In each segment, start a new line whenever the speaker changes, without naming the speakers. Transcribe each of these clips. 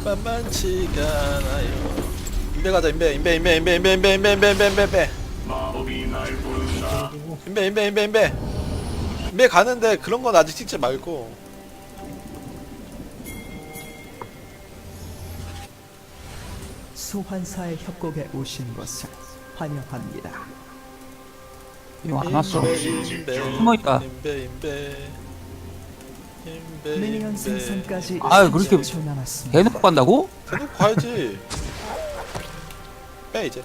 만만치가 않아요. 인베 가자. 인베.
마법이 날 부른다.
인베 가는데 그런 건 아직 찍지 말고.
소환사의 협곡에 오신 것을 환영합니다.
이거 안 왔어.
인베.
숨어있다.
미니언 생성까지
아유, 그렇게
30초 남았습니다.
대놓고 간다고?
대놓고 가야지. 빼 이제.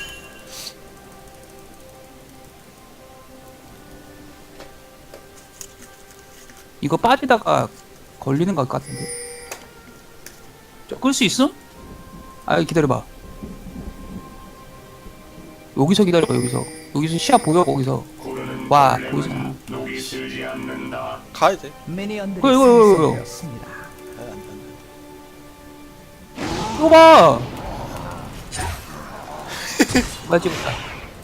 이거 빠지다가 걸리는 것 같은데. 끌 수 있음? 아, 기다려봐. 여기서 기다려봐, 여기서. 여기서 시야 보여, 거기서.
구르는
와,
벌레는
보이잖아.
녹이 슬지 않는다.
가야 돼.
미니언들이
이거.
생성되었습니다.
안 돼.
이거 봐! 맞지부터.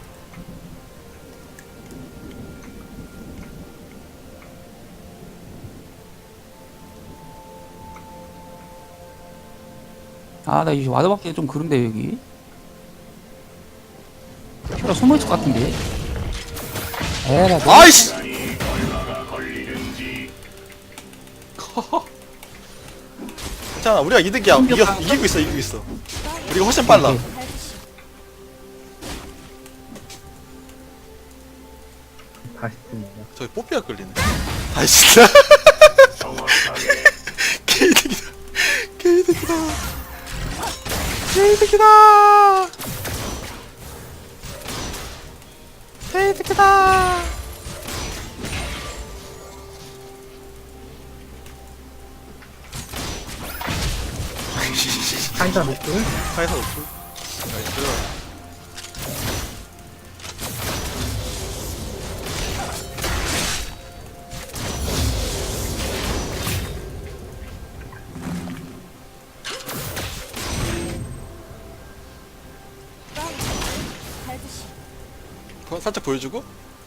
아, 나 이제 와드박기가 좀 그런데, 여기. 큐라 숨어있을 것 같은데. 에라, 너.
아이씨.
시간이 얼마가 걸리는지.
괜찮아. 우리가 이득이야. 이기고 있어. 우리가 훨씬 빨라.
다시 듭니다.
저기 뽀삐가 끌리네. 아이씨.
정확하게
개이득이다. 개이득이다.
카이사 노플?
카이사 노플. 나이스. 그거 살짝 보여주고.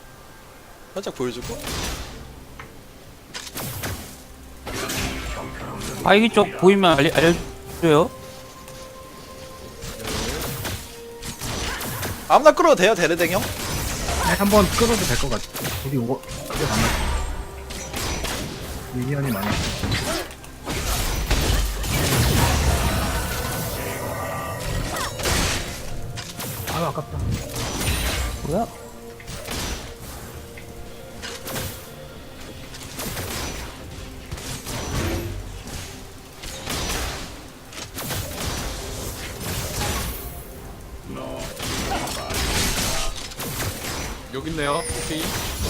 바이기 쪽 보이면 알려줘요.
아무나 끌어도 돼요, 데레댕 형.
네, 한번 끌어도 될 것 같아. 우리 오거 꽤 많아. 미니언이 많아. 아유 아깝다.
뭐야?
여기 있네요. 오케이.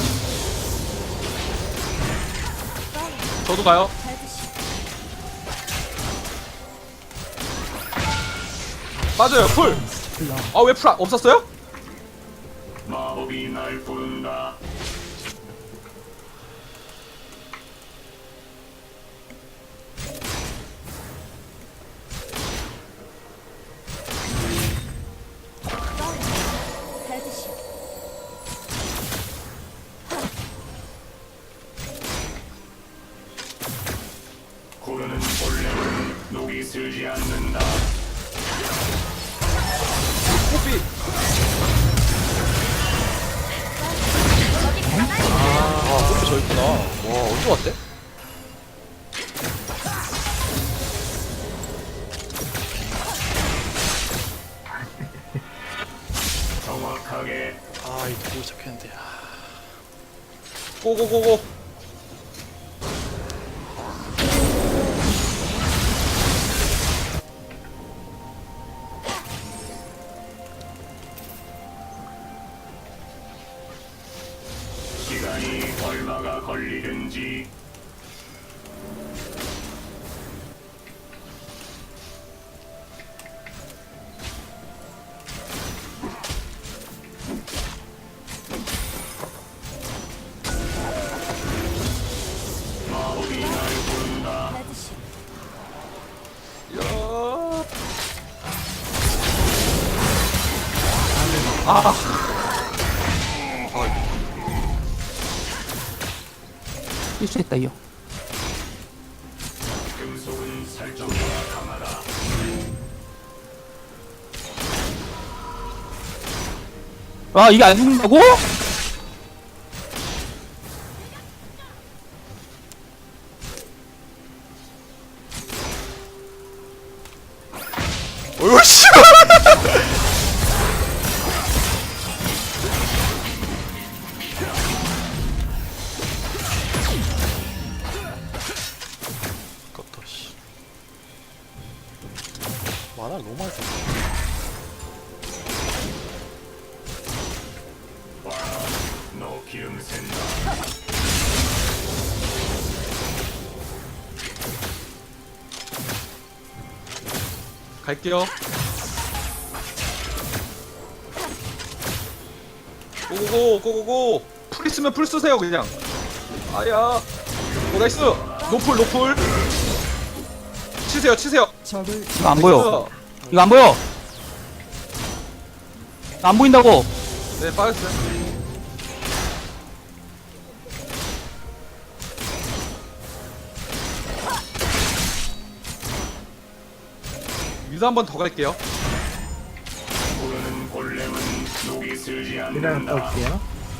저도 가요. 맞아요. 풀. 아, 왜 풀 없었어요?
마법이 날 부른다. 구르는 벌레는 녹이 슬지 않는다.
뽀삐.
아, 뽀삐 저 있구나. 와, 언제 왔대?
정확하게
아, 이거 보고 시작했는데. 고고고고.
시간이 얼마가 걸리는지. 마법이 날 부른다.
실수했다, 이거.
금속은 넌 설정보다 강하다.
아 이게 안 죽는다고?
어이구 씨. 아깝다 씨. 만화를 너무 많이 썼네.
너 기름 샌다.
갈게요. 고고고 고고고. 풀 있으면 풀 쓰세요 그냥. 아야. 오 나이스. 노풀 노풀. 치세요 치세요.
적을
이거 안 보여. 이거 안 보여. 안 보인다고.
네 빠졌어요. 위도 한 번 더 갈게요.
부르는 골렘은 녹이 슬지
미라를
않는다.
떠올게요.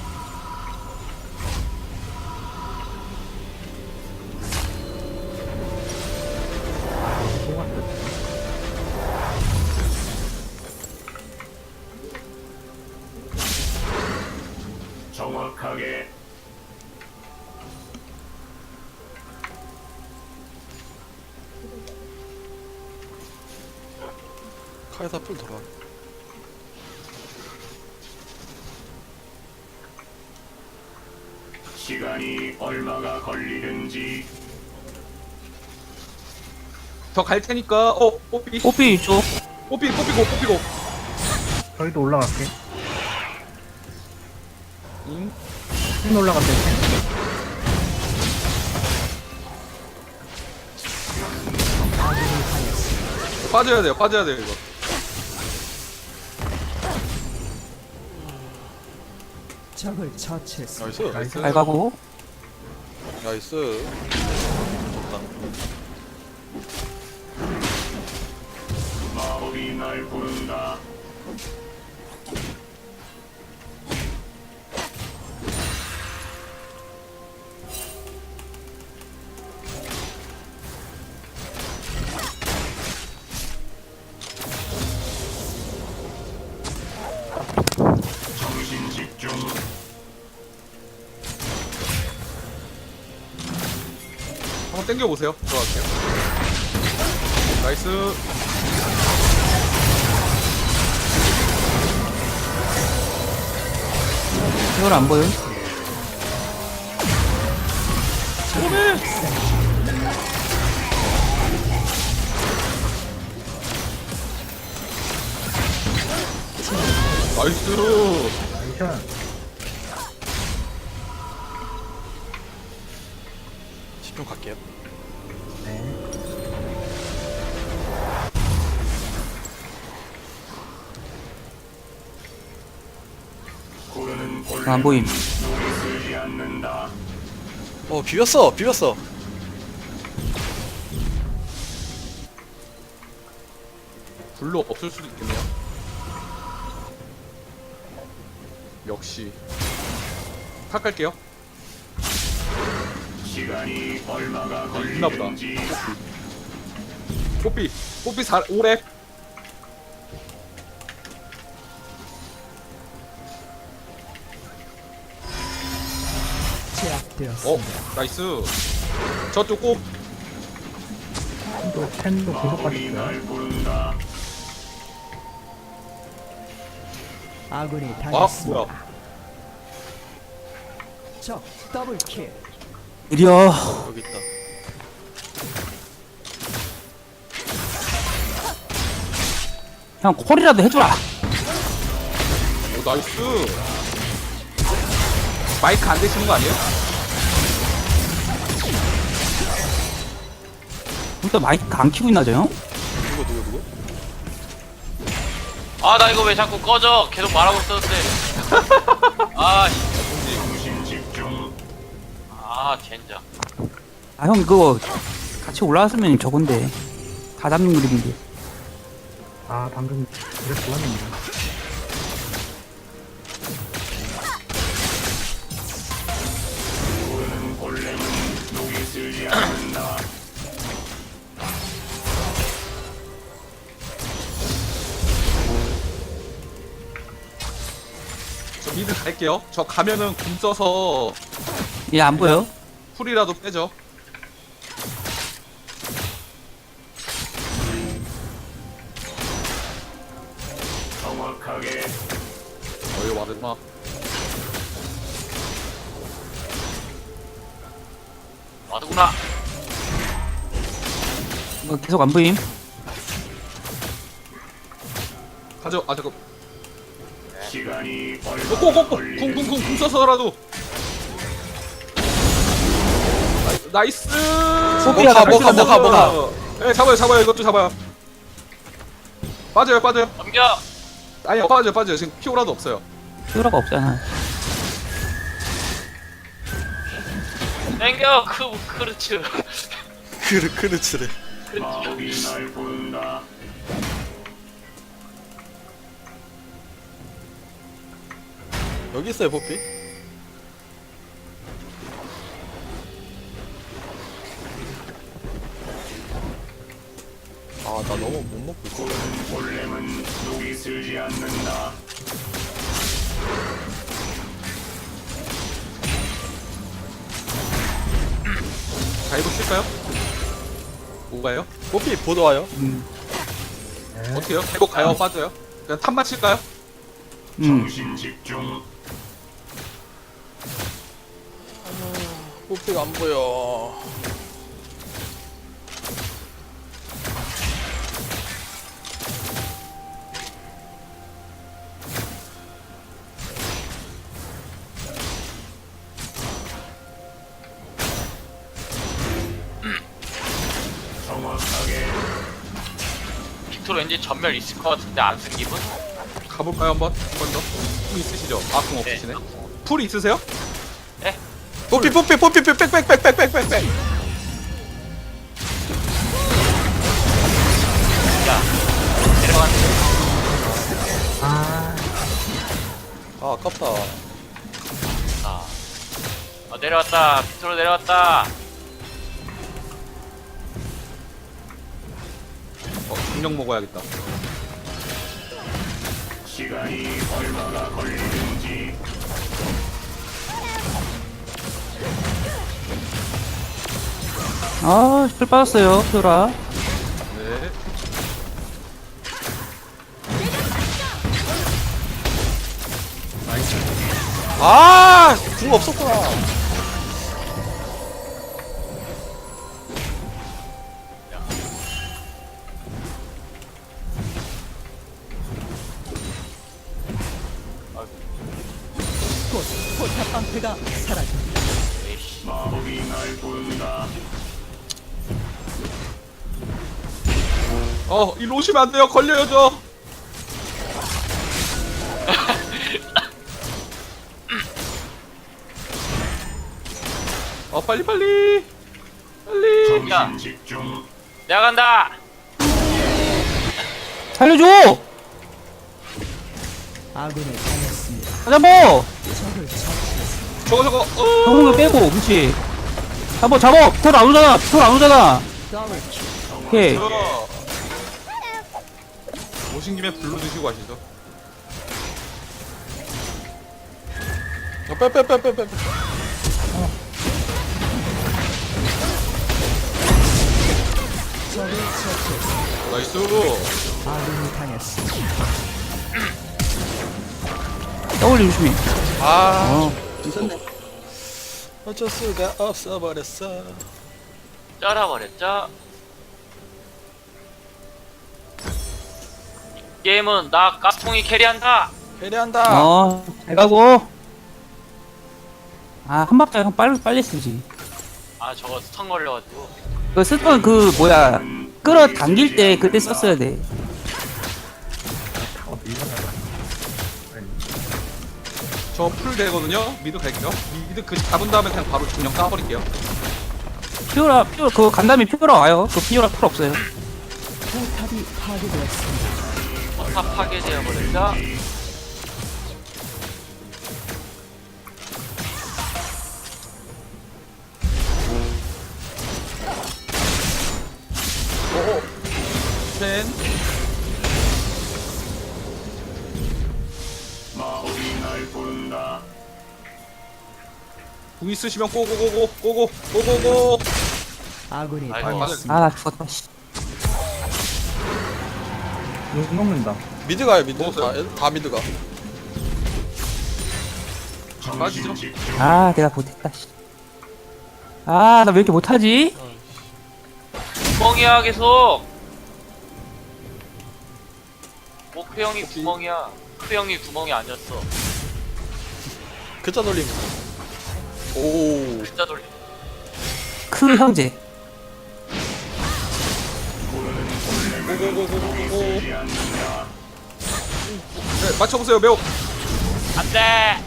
정확하게
카이사 풀 돌아.
시간이 얼마가 걸리는지
더 갈 테니까 뽀삐
뽀삐 쪽.
뽀삐고.
저희도 올라갈게.
응?
펜 올라갔대.
빠져야 돼요 이거.
적을 처치했습니다.
나이스.
나이스.
잘 가고.
나이스. 좋다.
마법이 날 부른다. 정신 집중.
한번 땡겨 보세요. 들어갈게요. 나이스.
이건 안 보여.
나이스.
나이션.
10분 갈게요.
네.
부르는 골렘은
안 보임.
녹이 슬지 않는다.
비볐어.
불로 없을 수도 있겠네요. 역시. 탁 갈게요.
시간이 얼마가
있나 보다.
걸리는지
뽀삐 5렙.
제압되었습니다.
나이스. 저쪽 꼭.
또 펜도 계속
마법이
빠졌어요.
날 부른다.
아군이
아
당했습니다.
뭐야.
적 더블킬.
느려.
여기 있다.
형 콜이라도 해줘라.
오 나이스. 마이크 안 되시는 거 아니에요?
또 마이크 안 키고 있나 저 형?
누구?
아 나 이거 왜 자꾸 꺼져? 계속 말하고 있었는데. 아,
정신 집중.
아 젠장.
아 형 그거 같이 올라왔으면 저건데. 다 잡는 그림인데.
아 방금 그래 좋았는데.
골렘은 녹이 슬지 않는다.
저 미드 갈게요. 저 가면은 궁 써서
얘 안 보여?
풀이라도 빼죠.
정확하게
어이 와드마.
와드구나.
계속 안 보임?
가죠. 아 잠깐.
시간이 얼마
고고고 궁 써서라도. 나이스.
뭐가.
네 잡아요. 이것도 잡아요. 빠져요.
넘겨.
아니요 빠져요. 지금 피오라도 없어요.
히어로가 없잖아.
땡겨. 그렇지.
그르츠래.
마법이 날 부른다.
여기 있어요 뽀삐. 아 나 너무 못 먹고 있어.
골렘은 녹이 슬지 않는다.
다이브 칠까요? 뭐가요?
뽀삐 보도 와요.
어떻게요? 계속 가요? 빠져요? 그냥 탑만 칠까요?
정신 집중.
뽀삐가 안 보여.
정확하게
빅토르 왠지 전멸 있을 것 같은데 안 쓴 기분?
가볼까요 한번? 한 번 더? 궁 있으시죠? 아 궁 없으시네. 풀 있으세요?
뽀삐 빽빽.
내려갔는데.
아 아깝다.
내려왔다. 빅토르 내려왔다.
중력 먹어야겠다.
시간이 얼마나 걸리는지.
아, 술 빠졌어요, 히어라.
네.
궁 없었구나.
곧 포탑 방패가 사라집니다.
마법이 날 부른다.
일로 오시면 안 돼요. 걸려요 저. 빨리.
정신 집중.
내가 간다.
살려줘!
아군을 당했습니다.
잡어!
적을 처치했습니다.
저거.
병공을 빼고, 그렇지. 잡어! 털 안 오잖아!
더블킬.
오케이.
오신 김에 불러 드시고 가시죠.
빼.
적을 처치했습니다.
나이스.
아군이 당했습니다.
W 조심해.
어쩔 수가 없어 버렸어.
쩔어버렸죠. 이 게임은 나 가스통이 캐리한다.
캐리한다.
잘 가고. 한 박자 형 빨리 쓰지.
저거 스턴 걸려가지고.
그 쓰던 끌어당길 때 그때 썼어야 돼.
저 풀 되거든요. 미드 갈게요. 미드 잡은 다음에 그냥 바로 중력 까버릴게요.
피오라 그 간담이 피오라 와요. 그 피오라 풀 없어요.
포탑이 파괴되었습니다.
다 파괴되어 버린다.
펜.
마법이 날 부른다.
궁 있으시면 고고고고.
아군이
아이고.
당했습니다.
아 나 죽었다. 씨.
욕 먹는다.
미드 가요 미드.
먹었어요?
다 미드 가.
빠지죠.
아 내가 못했다. 씨. 아 나 왜 이렇게 못하지?
구멍이야 계속. 목표 형이 구멍이야. 목표 형이 구멍이 아니었어.
글자 돌림. 오.
진짜 돌리.
크 형제.
고고고고고. 네, 맞춰보세요 매우.
안돼.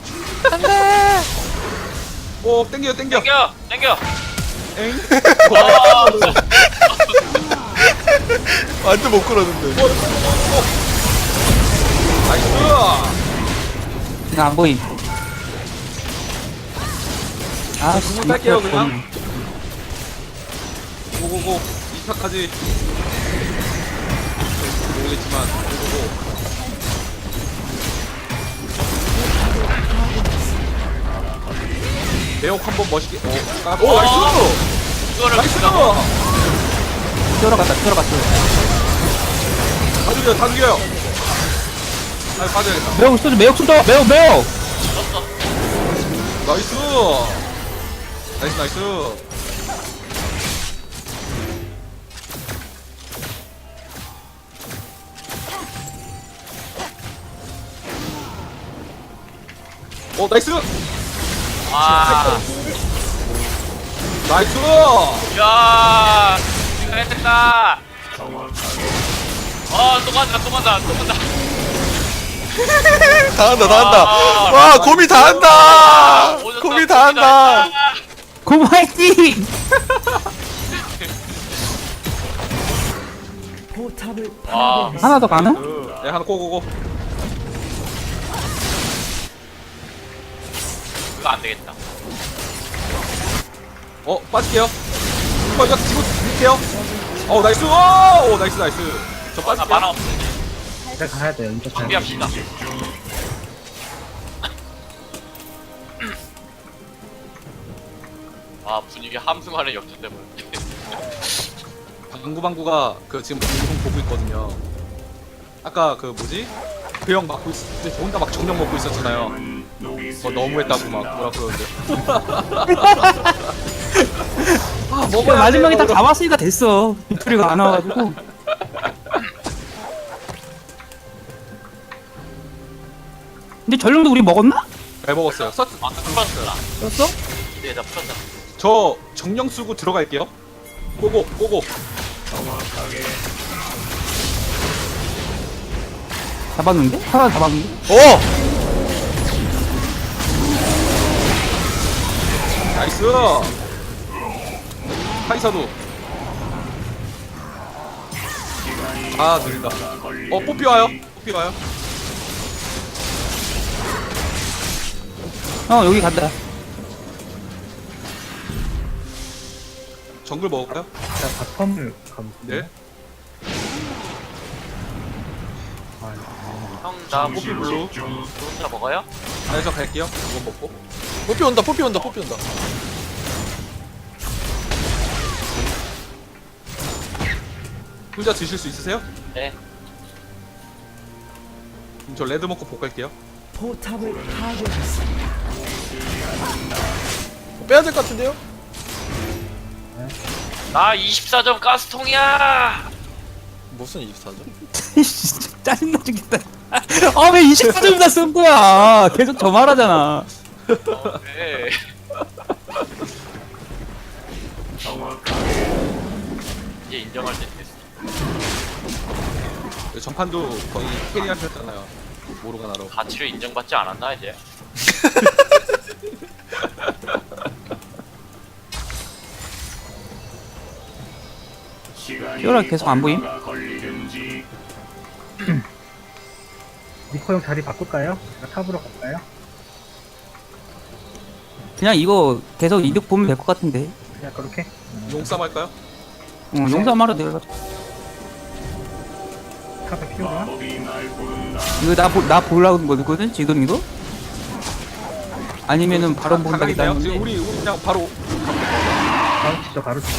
오 땡겨.
땡겨.
엥.
어,
완전 못 끌었는데.
나이스.
나 안 보임. 아 씨.
궁을 딸게요 그냥. 고고고. 2타까지. 모르겠지만 고고고. 매혹 한번 멋있게. 오 나이스.
이거를
나이스.
누가
피오라 갔다. 피오라 갔어.
다 죽여요. 아 빠져야겠다.
매우 쏘죠. 매우 쏘죠. 매우.
나이스. 나이스. 오 나이스.
아,
나이스.
야, 이거 했다. 또 간다.
다 한다.
아,
와 곰이 다 한다.
오졌다,
곰이 다 한다.
고마이팅.
포탑을
와.
파괴했습니다.
하나 더 가능?
네 하나 고고고.
이거 안 되겠다.
빠질게요. 이거 지고 드릴게요. 나이스. 오 나이스. 저
나
빠질게요.
만화 없는데.
이제 가야 돼요. 이제 가야 돼.
준비합시다. 아, 분위기 함승하는 역전돼 버렸네.
방구방구가 그 지금 방송 보고 있거든요. 아까 그 뭐지? 그 형 막고 있을 때 혼자 막 정령 먹고 있었잖아요. 너무했다고 막 뭐라 그러는데. 아
이거 마지막에 딱 잡았으니까 됐어. 빅토리가 안 와가지고. 근데 전령도 우리 먹었나?
잘 먹었어요.
아, 풀었어.
썼어?
네, 나 풀었다.
저 정령 쓰고 들어갈게요. 고고.
잡았는데? 하나 잡았는데?
오.
나이스. 카이사도. 아 느린다. 뽀삐 와요.
여기 간다.
정글 먹을까요?
제가 바텀을 가볼게요.
네.
형, 나
뽀삐 블루.
저 혼자 먹어요?
네, 저 갈게요. 이거 먹고.
뽀삐 온다.
혼자 드실 수 있으세요?
네.
그럼 저 레드 먹고 복 갈게요.
포탑을 파괴했습니다.
빼야 될 것 같은데요?
나 24점 가스통이야!
무슨 24죠?
짜증나 죽겠다. 왜 24점이나 쓴 거야? 계속 저 말하잖아.
네. 이제 인정할 때 됐어.
전판도 거의 캐리하셨잖아요. 모르가나로.
가치를 인정받지 않았나, 이제?
피오라 계속 안 보임?
걸리든지
니코 형 자리 바꿀까요? 제가 탑으로 갈까요?
그냥 이거 계속 이득 보면 될 것 같은데.
그냥 그렇게?
용쌈 할까요?
용사마로 내려가자.
탑에 피오라?
마법이 날 부른다.
이거 나 보려고 거거든 지금 이거? 아니면은 바로 본다기도
가까이네요. 지금
하는데.
우리 그냥 바로
바로 치죠, 바로 치죠.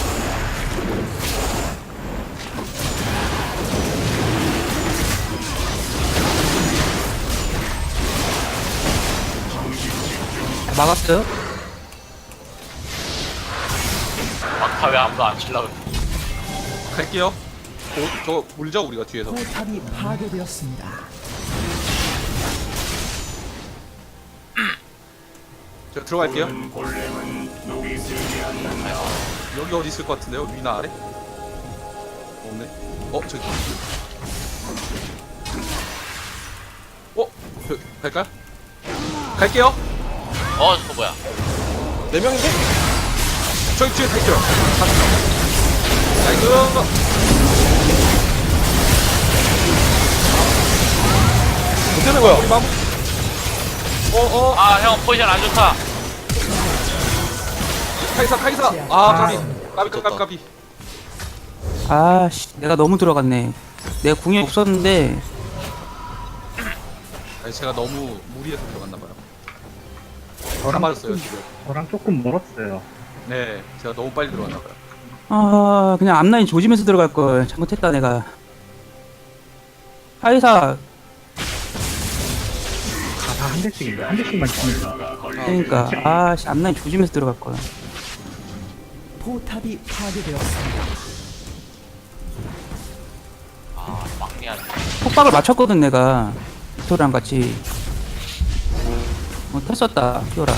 막았어요?
막타 왜 아무도 안 칠라 그래.
갈게요. 저 물죠 우리가 뒤에서.
포탑이 파괴되었습니다.
저 들어갈게요.
골렘은 녹이 슬지 않는다.
여기 어디 있을 것 같은데요? 위나 아래? 없네. 저기. 갈까요? 갈게요.
저거 뭐야?
4명인데?
저기 뒤에 갈게요. 나이스.
어떻게 된 거야?
우리 마무.
아, 형 포지션 안 좋다.
카이사. 까비.
아씨 내가 너무 들어갔네. 내가 궁이 없었는데.
아니, 제가 너무 무리해서 들어갔나봐요. 다
저랑
맞았어요 지금.
저랑 조금 멀었어요.
네, 제가 너무 빨리 들어갔나봐요.
아 그냥 앞라인 조심해서 들어갈 걸 잘못했다 내가. 하이사
다 한 대씩인데, 한 대씩만 치면
그러니까 아씨 앞라인 조심해서 들어갈 걸.
포탑이 파괴되었습니다.
아, 막내한테.
폭박을 맞췄거든 내가. 빅토리랑 같이. 탔었다 피오라.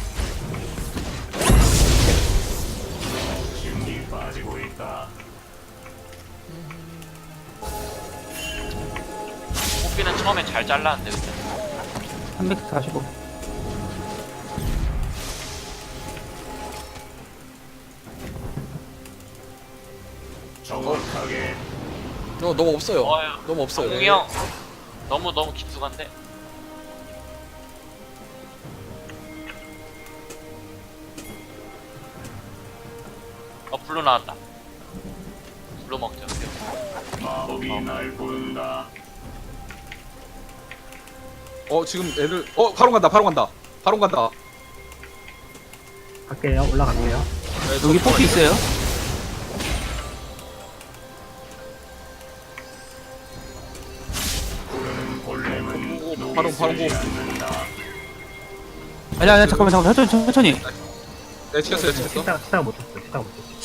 힘이 빠지고 있다.
뽑기는 처음에 잘 잘랐는데 근데.
345.
정확하게
너무 없어요.
어휴,
너무 없어요.
동이 형 너무 깊숙한데. 블루 나왔다. 블루 먹자.
마법이 날 부른다.
지금 애들 바로 간다.
갈게요, 올라갈게요.
네,
여기 뽑기 있어요?
바로 고.
아니야 잠깐만 천천히.
네, 치켰어요.
치다가 못 쳤어요.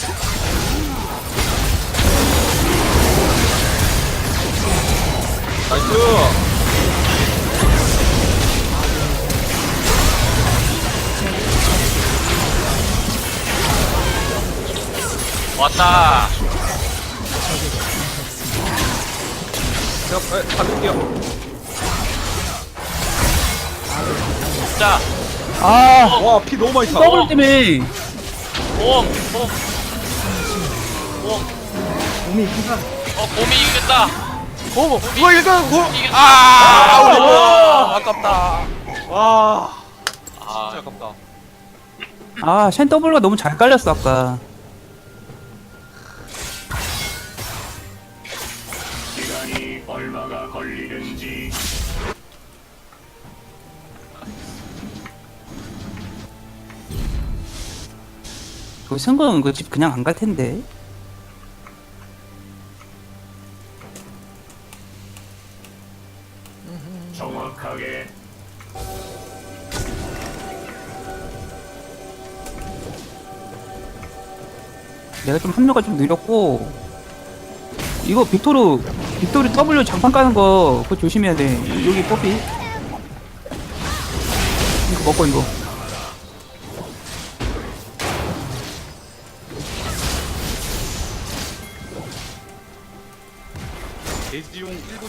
나이스.
왔다.
제가 받을게요.
자,
아
와, 피 너무 많이 차.
더블 때문에.
봄.
몸이 순간
봄이 이겼다.
누가 이길까?
이겼다.
아깝다.
와,
아,
진짜 아깝다.
아쉔 더블가 너무 잘 깔렸어 아까.
시간이 얼마가 걸리든지
그 승건 그 집 그냥 안 갈 텐데.
정확하게
내가 좀 합류가 좀 느렸고. 이거 빅토리 W 장판 까는 거 그거 조심해야 돼. 여기 뽀삐. 이거 먹고 이거.
데이지용 1분.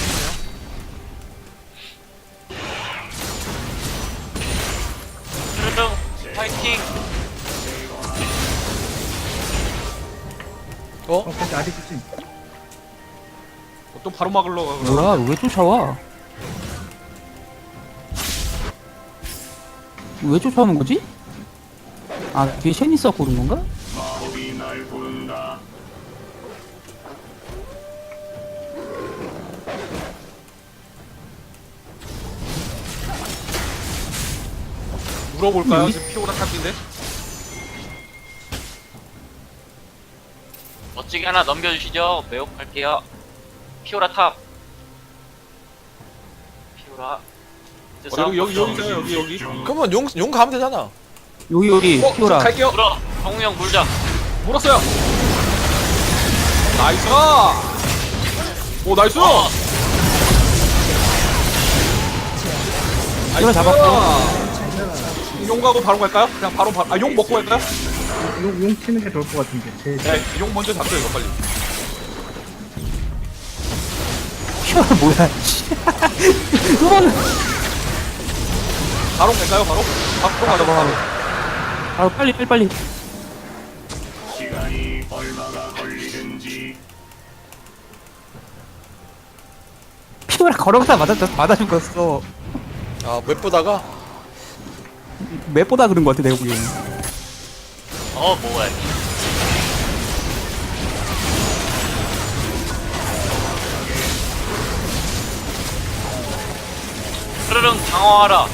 트르릉 파이팅.
근데 아직 있지.
또 바로 막으러 가. 그럼.
뭐야 왜 쫓아와? 왜 쫓아오는 거지? 아 뒤에 쉔 있었고 그런 건가?
마법이 날 부른다.
물어볼까요? 지금 피오라 탑인데.
멋지게 하나 넘겨주시죠. 매혹할게요. 피오라 탑. 피오라.
여기 있어요. 여기.
그러면 용 가면 되잖아.
여기
저
피오라.
갈게요.
물어. 정우 형 물자.
물었어요. 나이스. 오 나이스.
피오라 잡았고.
용 가고 바로 갈까요? 그냥 바로 용 먹고 갈까요?
용 치는 게 좋을 것 같은데.
네, 용 먼저 잡죠 이거 빨리.
피오라 뭐야? 그거는
바로 갈까요? 바로 가자 바로.
아 빨리.
시간이 얼마가 걸리든지.
피오라 걸어가다 맞아 죽었어.
아 웹보다가
맵보다 그런 거 같아 내가 보기엔.
뭐야. 흐르릉 방어하라.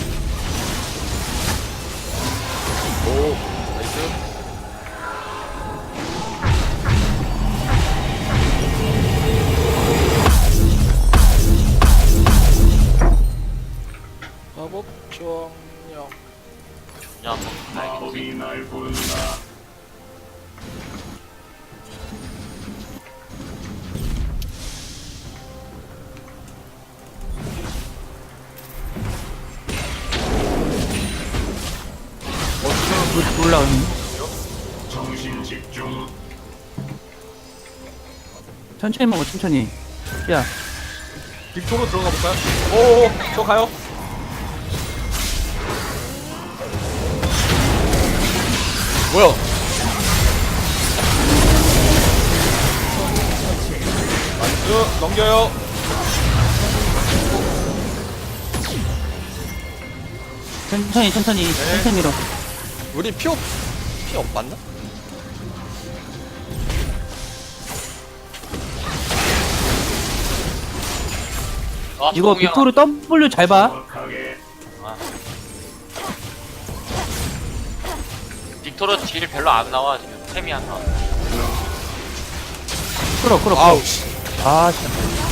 마법 정령.
야, 한번 가야겠지.
마법이 날 부른다.
올라오는.
정신 집중.
천천히 먹어 천천히. 야
빅토로 들어가 볼까요? 오, 저 가요.
뭐야?
나이스. 넘겨요.
천천히 밀어.
우리 피 맞나?
이거
정우 형.
빅토르 W 잘 봐.
정확하게.
빅토르 딜 별로 안 나와 지금. 템이 안 나와.
끌어.
아우 씨.
아 진짜.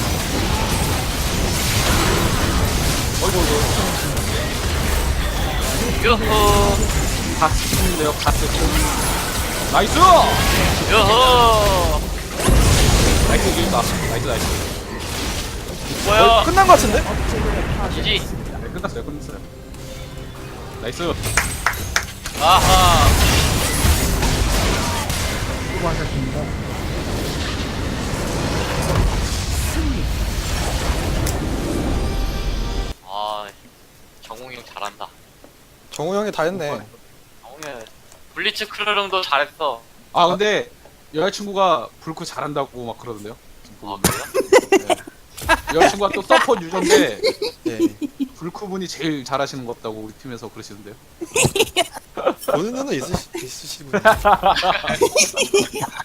유후.
갓스인데요. 갓스. 나이스.
유후.
나이스 이긴다. 나이스.
뭐야.
끝난 거 같은데?
지지.
네, 끝났어요. 나이스.
아하.
수고하셨습니다.
아, 정우 형 잘한다.
정우 형이 다 했네.
정우 형. 블리츠 크르릉도 잘했어.
아 근데 여자친구가 불크 잘한다고 막 그러던데요.
아, 그래요?
여자친구가 또 서포 유저인데
예.
불크 분이 제일 잘하시는 것 같다고 우리 팀에서 그러시던데요.
보는 눈은 있으시군요.